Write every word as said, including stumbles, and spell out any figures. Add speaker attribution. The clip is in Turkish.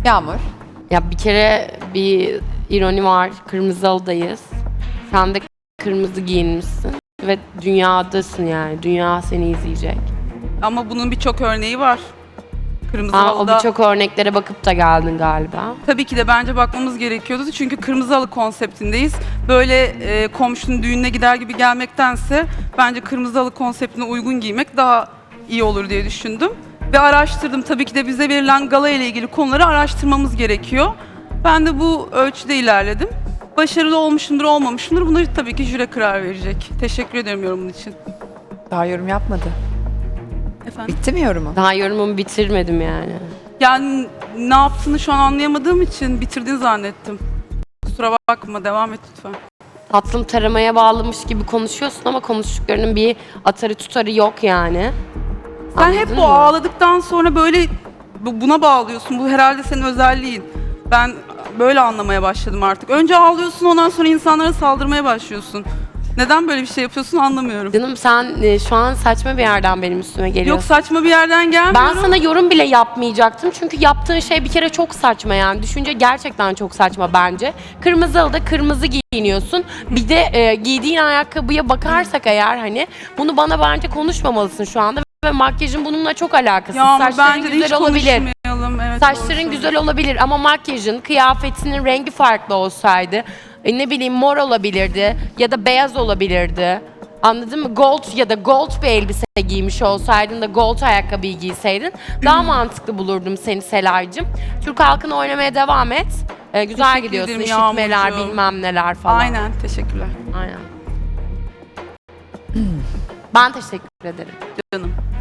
Speaker 1: Yağmur.
Speaker 2: Ya bir kere bir ironi var. Kırmızı halıdayız. Sen de kırmızı giyinmişsin. Ve dünyadasın yani. Dünya seni izleyecek.
Speaker 3: Ama bunun birçok örneği var. Kırmızı
Speaker 2: Ha, o
Speaker 3: halıda
Speaker 2: birçok örneklere bakıp da geldin galiba.
Speaker 3: tabii ki de bence bakmamız gerekiyordu. Çünkü kırmızı halı konseptindeyiz. Böyle e, komşunun düğününe gider gibi gelmektense bence kırmızı halı konseptine uygun giymek daha iyi olur diye düşündüm. Ve araştırdım. Tabii ki de bize verilen gala ile ilgili konuları araştırmamız gerekiyor. Ben de bu ölçüde ilerledim. Başarılı olmuşumdur, olmamışımdır. Bunları tabii ki jüri karar verecek. Teşekkür ederim yorumun için.
Speaker 1: Daha yorum yapmadı.
Speaker 3: Efendim?
Speaker 1: Bitti mi yorumu?
Speaker 2: Daha yorumumu bitirmedim yani.
Speaker 3: Yani ne yaptığını şu an anlayamadığım için bitirdiğini zannettim. Kusura bakma, devam et lütfen.
Speaker 2: Tatlım taramaya bağlamış gibi konuşuyorsun ama konuştuklarının bir atarı tutarı yok yani.
Speaker 3: Sen
Speaker 2: Anladın
Speaker 3: hep bu
Speaker 2: mı?
Speaker 3: ağladıktan sonra böyle bu- buna bağlıyorsun. Bu herhalde senin özelliğin. Ben böyle anlamaya başladım artık. Önce ağlıyorsun, ondan sonra insanlara saldırmaya başlıyorsun. Neden böyle bir şey yapıyorsun anlamıyorum.
Speaker 2: Canım sen e, şu an saçma bir yerden benim üstüme
Speaker 3: Yok,
Speaker 2: geliyorsun.
Speaker 3: saçma bir yerden gelmiyorum.
Speaker 2: Ben sana yorum bile yapmayacaktım çünkü yaptığın şey bir kere çok saçma yani. Düşünce gerçekten çok saçma bence. Kırmızı halıda kırmızı giyiniyorsun. Bir de e, giydiğin ayakkabıya bakarsak eğer hani bunu bana bence konuşmamalısın şu anda. Ve makyajın bununla çok alakası.
Speaker 3: Ya ama
Speaker 2: Saçların
Speaker 3: bence de
Speaker 2: güzel
Speaker 3: hiç
Speaker 2: olabilir.
Speaker 3: konuşmayalım. Evet, doğru
Speaker 2: Saçların
Speaker 3: söylüyorsun.
Speaker 2: güzel olabilir ama makyajın, kıyafetinin rengi farklı olsaydı, e, ne bileyim mor olabilirdi ya da beyaz olabilirdi. Anladın mı? Gold ya da gold bir elbise giymiş olsaydın da gold ayakkabıyı giyseydin daha mantıklı bulurdum seni Selay'cığım. Türk halkını oynamaya devam et. E, güzel
Speaker 3: Teşekkür
Speaker 2: gidiyorsun.
Speaker 3: ederim
Speaker 2: İşitmeler,
Speaker 3: Yağmurcuğum.
Speaker 2: bilmem neler falan.
Speaker 3: Aynen, teşekkürler
Speaker 2: Aynen. Ben teşekkür ederim.
Speaker 3: canım.